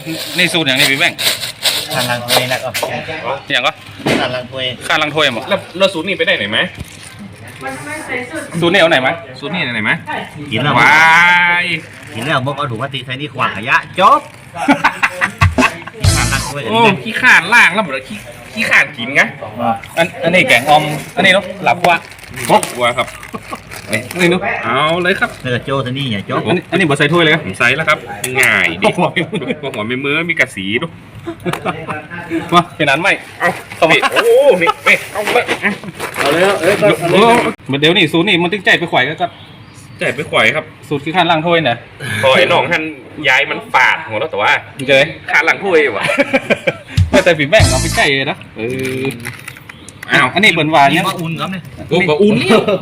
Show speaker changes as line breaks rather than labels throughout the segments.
นี่สูตรอย่างนี้พี่แบงค์
ทางลังถ้วยนะก็
อย่างก็
ทางลังถ้วย
ข้าลังถ้วยหมด
แล้วสูตรนี้ไปได้ไหนไหม
สูตรนี้เอาไหนไหม
สูตรนี้ไหนไหม
กินแล้ว
ว้าย
กินแล้วมกเอาถุงพลาสติกใส่นี่ขวางขยะจบทางลังถ้วยกัน
โอ้
นี่
ขี้ข่านล่างแล้วหมดเลยขี้ข่านกินไง
อันนี้แกงออมอันนี้เนาะหลับกว่า
ครบวัวครับ
นี่เนาะ
เอาเลยครับ
เนื้อโจ้ตัวนี้เนี่ยจบ
อันนี้บดใส่ถ้วยเลยครับ
ผมใส่แล้วครับง่ายดิหัวไม่มือมีกระสีด้วย
มาเป็นนั้นไหม
เอาเข้าไปโอ้นี่เอาเลย
เอาเลยเดี๋ยวนี่สูตรนี่มันตึงใจไปข่อยก็
ใจไปขวายครับ
สูตรคือข้าลังถ้วยเนี่ย
พอไอ้น้องท่านย้ายมันฝาดหัวแล้วแต่ว่า
มันจะได้
ขาหลังถ้วยวะ
ไม่แต่พี่แบงค์เอาไปใจเลยนะอ้าวอันนี้เปิ่นหวาน
นี่
เนี่ย
มาอุ่นครับเนี่ย
โอ้บะอุ่น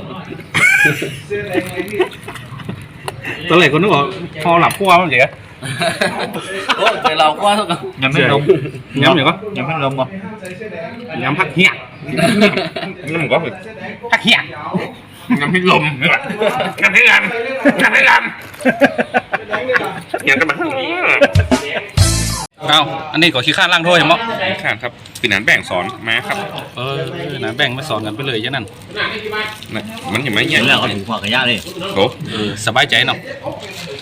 ตอนแรกคนนึกว่าพอหลับขั้วมันเสีย
โอ้แต่เราก็ต้อง
ยังไม่ลง
ย้ำอย่างก็
ยังไม่ลงบ่
ย้ำพักเหี้ย
นั่นผมก็
พักเหี้ย
ยังไม่ลมกันให้กันยังกันมาข้างนี้
เอาอันนี้ก็ขี้ข้านล่างถ้วยใช่ไหม
ขาดครับปีนันแบ่งสอนมาครับ
นะแบ่งมาสอนกันไปเลยอย่างนั้น
มันเห็นไหม
กิ
เนี่ย
นแล้วเอาถุงขวางขยะเลย
โอ้
สบายใจเนาะ